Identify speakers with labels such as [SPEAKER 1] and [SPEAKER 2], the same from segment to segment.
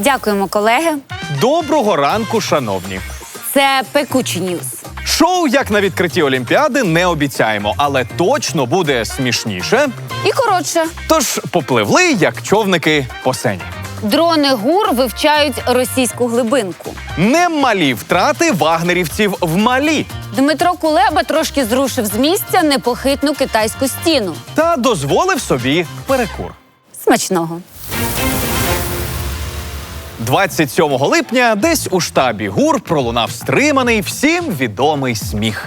[SPEAKER 1] Дякуємо, колеги.
[SPEAKER 2] Доброго ранку, шановні.
[SPEAKER 1] Це Пекучі Ньюс.
[SPEAKER 2] Шоу, як на відкритті Олімпіади, не обіцяємо, але точно буде смішніше.
[SPEAKER 1] І коротше.
[SPEAKER 2] Тож попливли, як човники по сені.
[SPEAKER 1] Дрони ГУР вивчають російську глибинку.
[SPEAKER 2] Немалі втрати вагнерівців в Малі.
[SPEAKER 1] Дмитро Кулеба трошки зрушив з місця непохитну китайську стіну.
[SPEAKER 2] Та дозволив собі перекур.
[SPEAKER 1] Смачного.
[SPEAKER 2] 27 липня десь у штабі ГУР пролунав стриманий, всім відомий сміх.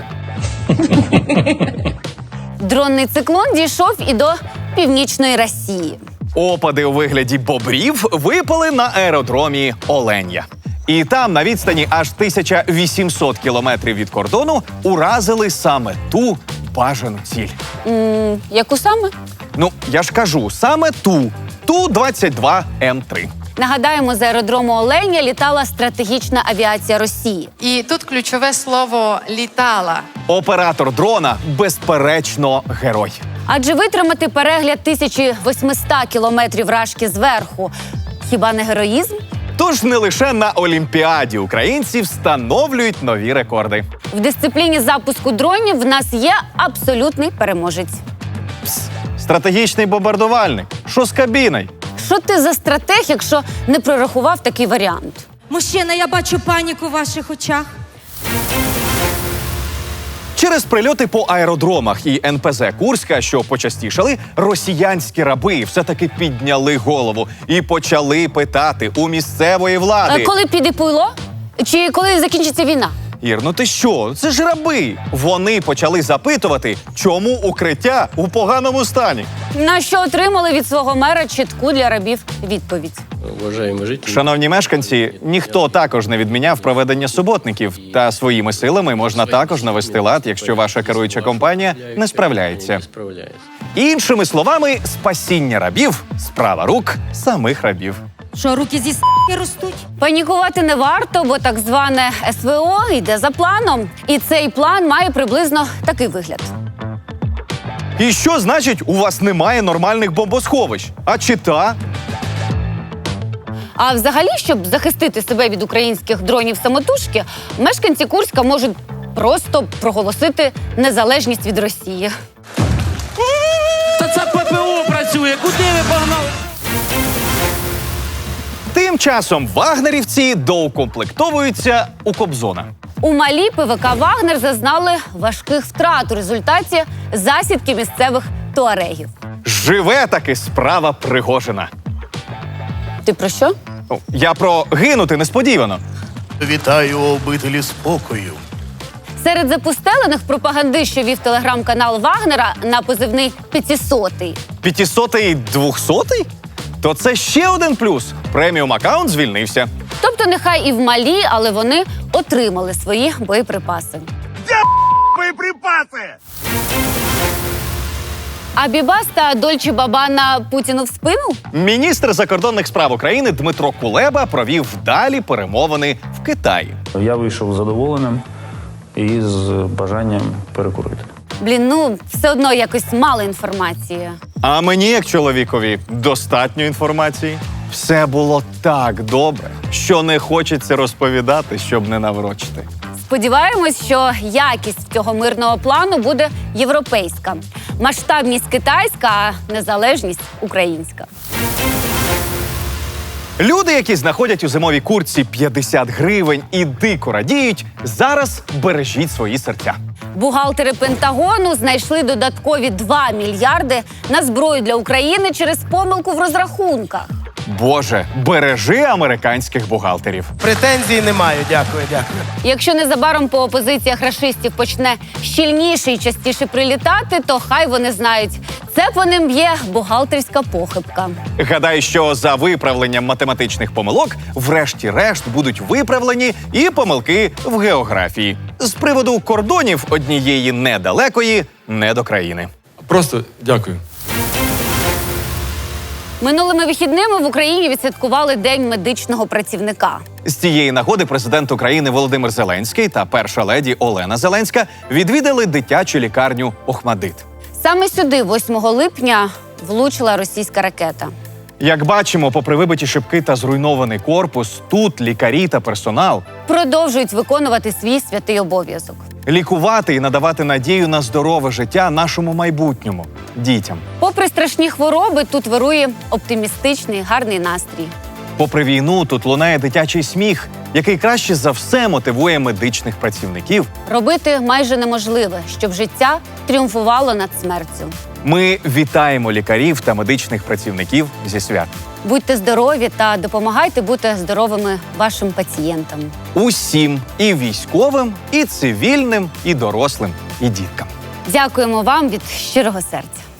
[SPEAKER 1] Дронний циклон дійшов і до північної Росії.
[SPEAKER 2] Опади у вигляді бобрів випали на аеродромі Оленя. І там, на відстані аж 1800 кілометрів від кордону, уразили саме ту бажану ціль.
[SPEAKER 1] Яку саме?
[SPEAKER 2] Ну, я ж кажу, саме ту. Ту-22М3.
[SPEAKER 1] Нагадаємо, з аеродрому Оленя літала стратегічна авіація Росії.
[SPEAKER 3] І тут ключове слово «літала».
[SPEAKER 2] Оператор дрона, безперечно, герой.
[SPEAKER 1] Адже витримати перегляд 1800 кілометрів рашки зверху – хіба не героїзм?
[SPEAKER 2] Тож не лише на Олімпіаді українці встановлюють нові рекорди.
[SPEAKER 1] В дисципліні запуску дронів в нас є абсолютний переможець.
[SPEAKER 2] Стратегічний бомбардувальник. Що з кабіною?
[SPEAKER 1] Що ти за стратег, якщо не прорахував такий варіант?
[SPEAKER 4] Мужчина, я бачу паніку в ваших очах.
[SPEAKER 2] Через прильоти по аеродромах і НПЗ Курська, що почастішали, росіянські раби все-таки підняли голову і почали питати у місцевої влади.
[SPEAKER 1] Коли піде пуйло? Чи коли закінчиться війна?
[SPEAKER 2] Ір, ну ти що? Це ж раби. Вони почали запитувати, чому укриття у поганому стані.
[SPEAKER 1] На що отримали від свого мера чітку для рабів відповідь.
[SPEAKER 2] Шановні мешканці, ніхто також не відміняв проведення суботників. Та своїми силами можна також навести лад, якщо ваша керуюча компанія не справляється. Іншими словами, спасіння рабів – справа рук самих рабів.
[SPEAKER 4] Що, руки зі с**ки ростуть?
[SPEAKER 1] Панікувати не варто, бо так зване СВО йде за планом. І цей план має приблизно такий вигляд.
[SPEAKER 2] І що значить, у вас немає нормальних бомбосховищ? А чита?
[SPEAKER 1] А взагалі, щоб захистити себе від українських дронів самотужки, мешканці Курська можуть просто проголосити незалежність від Росії.
[SPEAKER 5] Та це ППО працює, куди ви погнали?
[SPEAKER 2] Тим часом вагнерівці доукомплектовуються у Кобзона.
[SPEAKER 1] У Малі ПВК «Вагнер» зазнали важких втрат у результаті засідки місцевих туарегів.
[SPEAKER 2] Живе таки справа Пригожина.
[SPEAKER 1] Ти про що?
[SPEAKER 2] Ну, я про гинути несподівано.
[SPEAKER 6] Вітаю обителі спокою.
[SPEAKER 1] Серед запустелених пропаганди, що вів телеграм-канал «Вагнера» на позивний «500-й».
[SPEAKER 2] 500-й 200-й? То це ще один плюс. Преміум-аккаунт звільнився.
[SPEAKER 1] Тобто нехай і в Малі, але вони отримали свої боєприпаси.
[SPEAKER 6] Боєприпаси!
[SPEAKER 1] А Бібас та Дольче Бабана Путіну в спину?
[SPEAKER 2] Міністр закордонних справ України Дмитро Кулеба провів вдалі перемовини в Китаї.
[SPEAKER 7] Я вийшов задоволеним і з бажанням перекурити.
[SPEAKER 1] Блін, ну все одно якось мало інформації.
[SPEAKER 2] А мені, як чоловікові, достатньо інформації. Все було так добре, що не хочеться розповідати, щоб не наврочити.
[SPEAKER 1] Сподіваємось, що якість цього мирного плану буде європейська. Масштабність китайська, а незалежність українська.
[SPEAKER 2] Люди, які знаходять у зимовій куртці 50 гривень і дико радіють, зараз бережіть свої серця.
[SPEAKER 1] Бухгалтери Пентагону знайшли додаткові 2 мільярди на зброю для України через помилку в розрахунках.
[SPEAKER 2] Боже, бережи американських бухгалтерів.
[SPEAKER 6] Претензій не маю, дякую.
[SPEAKER 1] Якщо незабаром по опозиціях рашистів почне щільніше і частіше прилітати, то хай вони знають, це по ним є бухгалтерська похибка.
[SPEAKER 2] Гадаю, що за виправленням математичних помилок врешті-решт будуть виправлені і помилки в географії. З приводу кордонів однієї недалекої недокраїни.
[SPEAKER 5] Просто дякую.
[SPEAKER 1] Минулими вихідними в Україні відсвяткували День медичного працівника.
[SPEAKER 2] З цієї нагоди президент України Володимир Зеленський та перша леді Олена Зеленська відвідали дитячу лікарню «Охмадит».
[SPEAKER 1] Саме сюди 8 липня влучила російська ракета.
[SPEAKER 2] Як бачимо, попри вибиті шибки та зруйнований корпус, тут лікарі та персонал
[SPEAKER 1] Продовжують виконувати свій святий обов'язок.
[SPEAKER 2] лікувати і надавати надію на здорове життя нашому майбутньому дітям.
[SPEAKER 1] Попри страшні хвороби, тут вирує оптимістичний, гарний настрій.
[SPEAKER 2] Попри війну, тут лунає дитячий сміх, який краще за все мотивує медичних працівників.
[SPEAKER 1] Робити майже неможливе, щоб життя тріумфувало над смертю.
[SPEAKER 2] Ми вітаємо лікарів та медичних працівників зі свят.
[SPEAKER 1] Будьте здорові та допомагайте бути здоровими вашим пацієнтам.
[SPEAKER 2] Усім і військовим, і цивільним, і дорослим, і діткам.
[SPEAKER 1] Дякуємо вам від щирого серця.